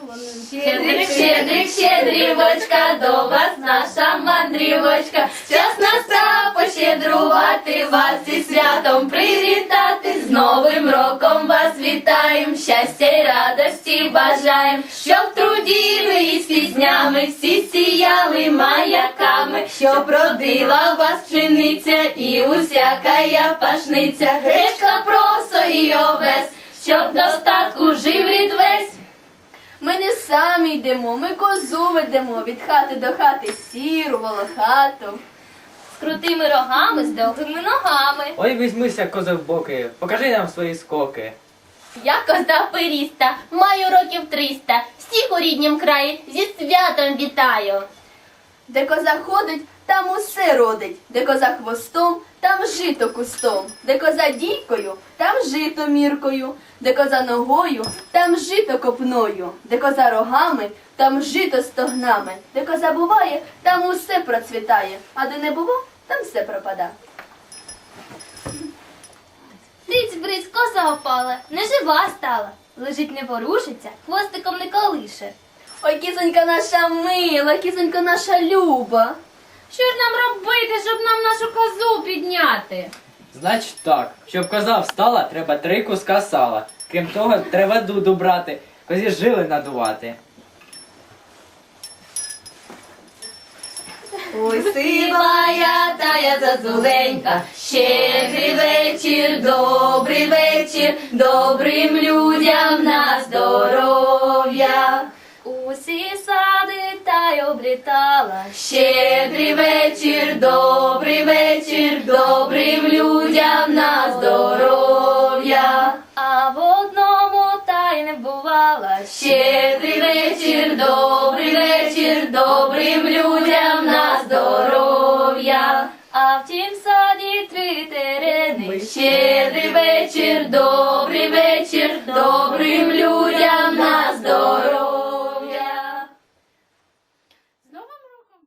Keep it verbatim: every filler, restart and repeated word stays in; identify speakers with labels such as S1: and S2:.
S1: Щедрик, щедрик, щедрівочка, до вас наша мандрівочка. Час настав пощедрувати вас зі святом привітати. З Новим роком вас вітаєм, щастя й радості бажаєм. Щоб в труді ви із піснями всі сіяли маяками. Щоб родила вас пшениця і усякая пашниця. Гречка, просо і овес, щоб достатку жив рід весь.
S2: Ми не самі йдемо, ми козу ведемо від хати до хати, сіру, волохату.
S1: З крутими рогами, з довгими ногами.
S3: Ой, візьмися, коза в боки, покажи нам свої скоки.
S1: Я коза періста, маю років триста, всіх у ріднім краї зі святом вітаю.
S2: Де коза ходить, там усе родить, де коза хвостом, там жито кустом, де коза дійкою, там жито міркою, де коза ногою, там жито копною, де коза рогами, там жито стогнами, де коза буває, там усе процвітає, а де не було, там все пропада.
S1: Риць бриць, коза опала, нежива стала, лежить не ворушиться, хвостиком не колише.
S2: Ой, кізонька наша мила, кізонька наша люба.
S1: Що ж нам робити, щоб нам нашу козу підняти?
S3: Значить так, щоб коза встала, треба три куска сала. Крім того, треба дуду брати, козі жили надувати.
S2: Ой,
S1: Сивая тая зазуленька, щедрий вечір, добрий вечір, добрим людям на здоров'я. Усі сади та й облітала. Щедрий вечір, добрий вечір, добрим людям на здоров'я. А в одному та й не бувала. Щедрий вечір, добрий вечір, добрим людям на здоров'я. А в тім саді три терени. Щедрий вечір, добрий вечір, добрий